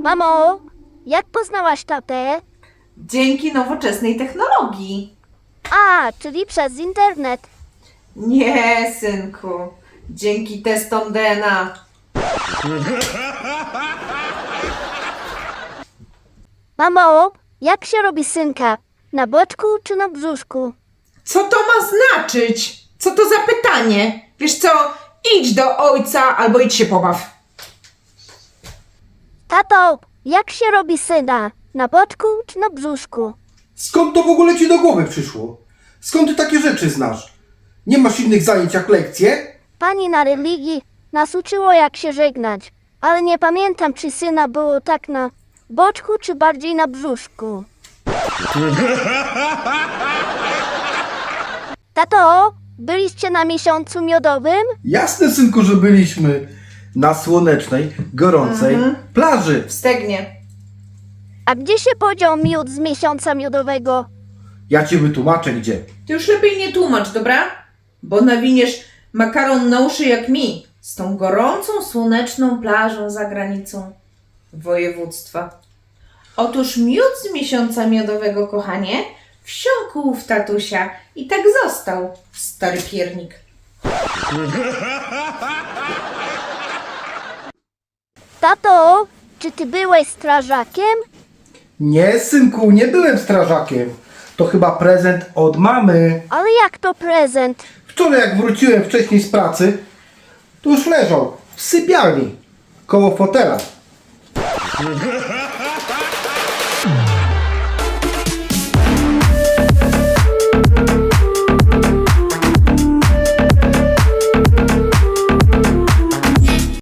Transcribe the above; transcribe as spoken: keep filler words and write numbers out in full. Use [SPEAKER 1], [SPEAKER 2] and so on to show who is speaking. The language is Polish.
[SPEAKER 1] Mamo, jak poznałaś tatę?
[SPEAKER 2] Dzięki nowoczesnej technologii.
[SPEAKER 1] A, czyli przez internet.
[SPEAKER 2] Nie, synku. Dzięki testom D N A.
[SPEAKER 1] Mamo, jak się robi synka? Na boczku czy na brzuszku?
[SPEAKER 2] Co to ma znaczyć? Co to za pytanie? Wiesz co? Idź do ojca albo idź się pobaw.
[SPEAKER 1] Tato, jak się robi syna? Na boczku czy na brzuszku?
[SPEAKER 3] Skąd to w ogóle ci do głowy przyszło? Skąd ty takie rzeczy znasz? Nie masz innych zajęć jak lekcje?
[SPEAKER 1] Pani na religii nas uczyło jak się żegnać, ale nie pamiętam czy syna było tak na boczku czy bardziej na brzuszku. Tato, byliście na miesiącu miodowym?
[SPEAKER 3] Jasne, synku, że byliśmy na słonecznej, gorącej plaży.
[SPEAKER 2] W Stegnie.
[SPEAKER 1] A gdzie się podział miód z miesiąca miodowego?
[SPEAKER 3] Ja ci wytłumaczę gdzie.
[SPEAKER 2] Ty już lepiej nie tłumacz, dobra? Bo nawiniesz makaron na uszy jak mi. Z tą gorącą, słoneczną plażą za granicą województwa. Otóż miód z miesiąca miodowego, kochanie, wsiąkł w tatusia i tak został, stary piernik.
[SPEAKER 1] Tato, czy ty byłeś strażakiem?
[SPEAKER 3] Nie, synku, nie byłem strażakiem. To chyba prezent od mamy.
[SPEAKER 1] Ale jak to prezent?
[SPEAKER 3] Wczoraj jak wróciłem wcześniej z pracy, to już leżał w sypialni, koło fotela.